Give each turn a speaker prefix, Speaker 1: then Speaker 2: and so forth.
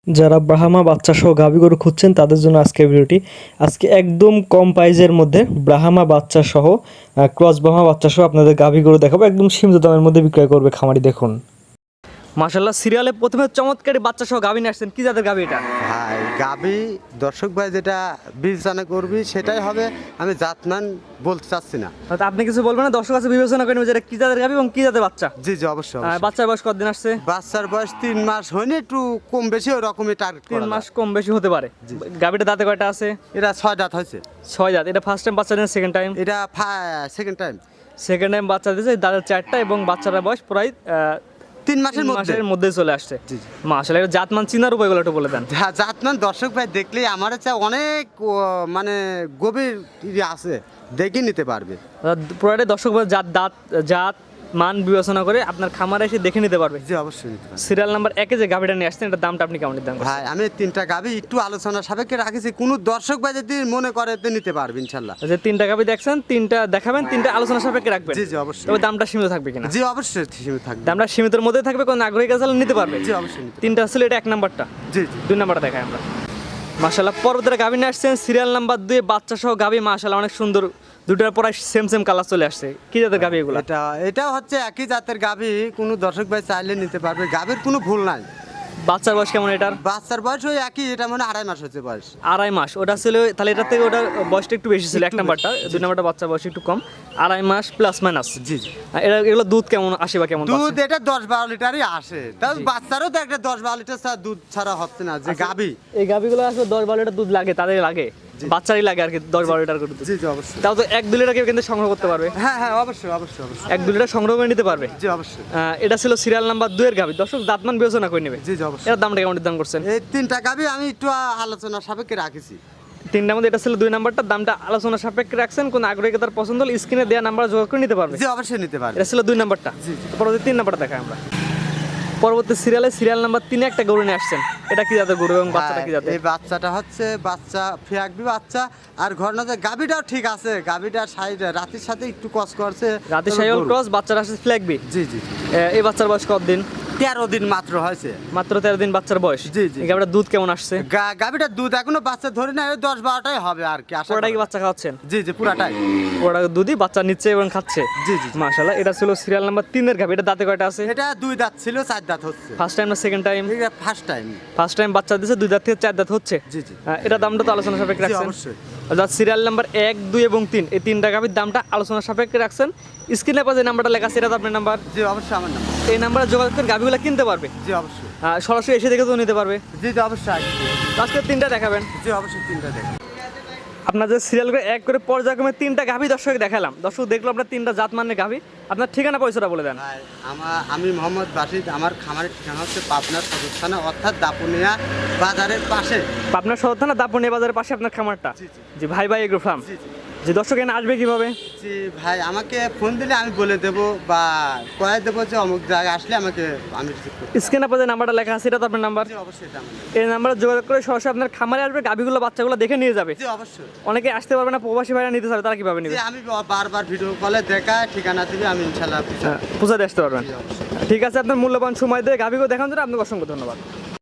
Speaker 1: যারা ব্রাহ্মা বাচ্চা সহ গাভী গরু খুঁজছেন তাদের জন্য আজকের ভিডিওটি। আজকে একদম কম প্রাইজের মধ্যে ব্রাহ্মা বাচ্চা সহ ক্রস ব্রাহ্মা বাচ্চা সহ আপনাদের গাভী গরু দেখাবো, একদম সীমিত দামের মধ্যে বিক্রয় করবে খামারি। দেখুন মাশাআল্লাহ, সিরিয়ালে প্রথমে চমৎকারী বাচ্চা সহ গাভী নিয়ে আসছেন। কি জাতের গাভী এটা?
Speaker 2: ভাই গাবি দর্শক ভাই যেটা বিবেচনা করবি সেটাই হবে, আমি জাতমান বলতে চাচ্ছি না।
Speaker 1: আপনি কিছু বলবেন না, দর্শক কাছে বিবেচনা করে নেবে যে এটা কি জাতের গাভী এবং কি জাতের বাচ্চা।
Speaker 2: জি জি অবশ্যই।
Speaker 1: বাচ্চার বয়স কতদিন আসছে?
Speaker 2: বাচ্চার বয়স 3 মাস হয়নি, একটু কম বেশি ওই রকমই টার্গেট করা।
Speaker 1: 3 মাস কম বেশি হতে পারে। গাভীটা দাঁতে কয়টা আছে?
Speaker 2: এটা 6 দাঁত হয়েছে।
Speaker 1: 6 দাঁত। এটা ফার্স্ট টাইম বাচ্চা দেন, সেকেন্ড টাইম?
Speaker 2: এটা সেকেন্ড টাইম।
Speaker 1: সেকেন্ড টাইম বাচ্চা দিয়েছে, দাঁতের 4টা এবং বাচ্চাটার বয়স প্রায়
Speaker 2: 3 মাসের
Speaker 1: মধ্যে চলে আসছে। মাশাআল্লাহ, এটা জাতমান চিনার উপায়গুলো একটু বলে দেন।
Speaker 2: জাতমান দর্শক ভাই দেখলে আমার কাছে অনেক মানে গভীর আছে, দেখে নিতে পারবে।
Speaker 1: পুরাটাই দর্শক ভাই জাত মান বিবেচনা করে আপনার খামারে এসে দেখে নিতে পারবে।
Speaker 2: জি অবশ্যই নিতে পারবে।
Speaker 1: সিরিয়াল নাম্বার 1-এ যে গাভীটা নিয়ে আসছেন, এটার দামটা আপনি কেমন দাম?
Speaker 2: ভাই আমি 3টা গাভী একটু আলোচনা সাপেক্ষে রাখেছি, কোন দর্শক ভাই যদি মনে করে তো নিতে পারবে ইনশাআল্লাহ।
Speaker 1: যে 3টা গাভী দেখছেন, 3টা দেখাবেন, 3টা আলোচনা সাপেক্ষে রাখবেন।
Speaker 2: জি জি অবশ্যই।
Speaker 1: তবে দামটা সীমিত থাকবে কিনা?
Speaker 2: জি অবশ্যই সীমিত থাকবে।
Speaker 1: দামটা সীমিতের মধ্যে থাকবে, কোন আগ্রহী কাছে নিতে পারবে।
Speaker 2: জি অবশ্যই নিতে।
Speaker 1: 3টা ছিল, এটা 1 নাম্বারটা।
Speaker 2: জি জি
Speaker 1: 2 নাম্বারটা দেখাই আমরা। মাশাআল্লাহ, পরবর্তীতে গাভী নিয়ে আসছেন সিরিয়াল নাম্বার 2 বাচ্চা সহ গাভী। মাশাআল্লাহ, অনেক সুন্দর, দুটোর পরে সেম কালার চলে আসছে। কি জাতের গাভী এগুলো?
Speaker 2: এটা হচ্ছে একই জাতের গাভী, কোনো দর্শক ভাই চাইলে নিতে পারবে, গাভীর কোনো ভুল নাই।
Speaker 1: বাচ্চার বয়স কেমন এটার?
Speaker 2: বাচ্চার বয়স ওই একই, এটা মানে 2.5 মাস হচ্ছে বয়স।
Speaker 1: 2.5 মাস। ওটা ছিল তাহলে এটার থেকে ওটার বয়সটা একটু বেশি ছিল 1 নাম্বারটা। 2 নাম্বারটা বাচ্চার বয়স একটু কম, 2.5 মাস প্লাস মাইনাস।
Speaker 2: জি জি।
Speaker 1: এগুলো দুধ কেমন আসে বা কেমন?
Speaker 2: দুধ এটা 10-12 লিটারই আসে, তাও বাচ্চারও তো একটা 10-12 লিটার ছাড়া দুধ ছাড়া হচ্ছে না যে গাভী।
Speaker 1: এই গাভীগুলো আসলে 10-12 লিটার দুধ লাগে, তাদের লাগে, বাচ্চারই লাগে আর কি 10-12 লিটার করে দুধ।
Speaker 2: জি জি অবশ্যই।
Speaker 1: তাও তো 1-2 লিটার কেউ কিন্তু সংগ্রহ করতে পারবে।
Speaker 2: হ্যাঁ হ্যাঁ অবশ্যই অবশ্যই অবশ্যই।
Speaker 1: 1-2 লিটার সংগ্রহ করে নিতে পারবে।
Speaker 2: জি অবশ্যই।
Speaker 1: এটা ছিল সিরিয়াল নাম্বার 2 এর গাভী। দর্শক দাঁতমান বিবেচনা করে নেবে।
Speaker 2: জি জি অবশ্যই।
Speaker 1: এর দামটা কেমন দাম করছেন?
Speaker 2: এই 3টা গাভী আমি একটু আলোচনা সাপেক্ষে রাখেছি।
Speaker 1: 3টার মধ্যে এটা ছিল 2 নাম্বারটার দামটা আলোচনা সাপেক্ষে রাখছেন। কোন আগ্রহী তার পছন্দ হলে স্ক্রিনে দেওয়া নাম্বার যোগাযোগ করে নিতে পারবে।
Speaker 2: জি অবশ্যই নিতে পারবে।
Speaker 1: এটা ছিল 2 নাম্বারটা।
Speaker 2: জি।
Speaker 1: পরবর্তী 3 নাম্বারটা দেখাই আমরা। পরবর্তী সিরিয়াল নাম্বার 3-এ একটা গরু নিয়ে আসছেন। এটা কি জাতের গরু এবং বাচ্চাটা কি জাতের?
Speaker 2: এই বাচ্চাটা হচ্ছে বাচ্চা ফিয়াকবি বাচ্চা, আর ঘটনাতে গাভীটাও ঠিক আছে, গাভীটার সাইড রাতের সাথে একটু কস করছে।
Speaker 1: রাতে শাইওয়াল ক্রস, বাচ্চাটা আসছে ফ্ল্যাগবি।
Speaker 2: জি জি।
Speaker 1: এই বাচ্চার বয়স কতদিন?
Speaker 2: 13 দিন মাত্র হয়েছে।
Speaker 1: মাত্র 13 দিন বাচ্চার বয়স।
Speaker 2: জি জি।
Speaker 1: এই গাভীটার দুধ কেমন আসছে?
Speaker 2: গাভীটার দুধ এখনো বাচ্চা ধরে না, 10-12টাই হবে আর কি আশা
Speaker 1: পুরোটাই
Speaker 2: করি।
Speaker 1: কি বাচ্চা খাওয়াচ্ছেন?
Speaker 2: জি জি পুরাটাই।
Speaker 1: ওটা দুধই বাচ্চা নিচ্ছে এবং খাচ্ছে।
Speaker 2: জি জি।
Speaker 1: মাশাআল্লাহ, এটা ছিল সিরিয়াল নাম্বার 3 এর গাভী। এটা দাঁতে কয়টা আছে?
Speaker 2: এটা 2 দাঁত ছিল, 4 দাঁত হচ্ছে।
Speaker 1: ফার্স্ট টাইম না সেকেন্ড টাইম?
Speaker 2: এটা ফার্স্ট টাইম।
Speaker 1: ফার্স্ট টাইম বাচ্চা দিয়েছে, 2 দাঁত থেকে 4 দাঁত হচ্ছে।
Speaker 2: জি জি।
Speaker 1: এটা দামটা তো আলোচনা সাপেক্ষে
Speaker 2: জি
Speaker 1: রাখছেন
Speaker 2: অবশ্যই।
Speaker 1: অর্থাৎ সিরিয়াল নাম্বার 1, 2 এবং 3 এই 3টা গাভীর দামটা আলোচনা সাপেক্ষে রাখছেন। স্ক্রিনে পা যে নাম্বারটা লেখা আছে, এটা তো আপনার নাম্বার।
Speaker 2: জি অবশ্যই আমার নাম্বার।
Speaker 1: এই নাম্বারে যোগাযোগ করে গাভীগুলো কিনতে পারবে।
Speaker 2: জি অবশ্যই।
Speaker 1: সরাসরি এসে দেখে তো নিতে পারবে।
Speaker 2: জি জি অবশ্যই।
Speaker 1: আজকে 3টা দেখাবেন।
Speaker 2: জি অবশ্যই 3টা দেখেন।
Speaker 1: আপনার যে সিরিয়াল করে এক করে পর্যায়ক্রমে 3টা গাভী দর্শক দেখালাম। দর্শক দেখলো আপনার 3টা জাত মানের গাভী। আপনার ঠিকানা পয়সাটা বলে দেন।
Speaker 2: আমি মোহাম্মদ বাসিদ, আমার খামারের ঠিকানা হচ্ছে পাবনার সদর থানা, অর্থাৎ দাপুনিয়া বাজারের পাশে।
Speaker 1: পাবনা সদর থানা দাপুনিয়া বাজারের পাশে আপনার খামারটা?
Speaker 2: জি জি।
Speaker 1: জি, ভাই এগ্রো ফার্ম।
Speaker 2: জি জি।
Speaker 1: যে দর্শক এখানে আসবে কিভাবে?
Speaker 2: জি ভাই, আমাকে ফোন দিলে আমি বলে দেবো বা কয়ে দেবো যে অমুক জায়গায় আসলে আমাকে আমি রিসিভ করব।
Speaker 1: স্ক্রিনে পা যে নাম্বারটা লেখা আছে, এটা তো আপনার নাম্বার।
Speaker 2: জি অবশ্যই এটা আমার।
Speaker 1: এই নাম্বারে যোগাযোগ করে সরাসরি আপনার খামারে আসবে, গাভীগুলো বাচ্চাগুলো দেখে নিয়ে যাবে।
Speaker 2: জি অবশ্যই।
Speaker 1: অনেকে আসতে পারবে না, প্রবাসী ভাইরা নিতে চাবে, তারা কিভাবে নেবে?
Speaker 2: জি আমি বারবার ভিডিও কলে দেখা ঠিকানা দিবে, আমি ইনশাআল্লাহ
Speaker 1: পূজা দিয়ে আসতে পারবেন।
Speaker 2: জি অবশ্যই।
Speaker 1: ঠিক আছে, আপনার মূল্যবান সময় দিয়ে গাভীগুলো দেখানোর জন্য আপনাকে অসংখ্য ধন্যবাদ।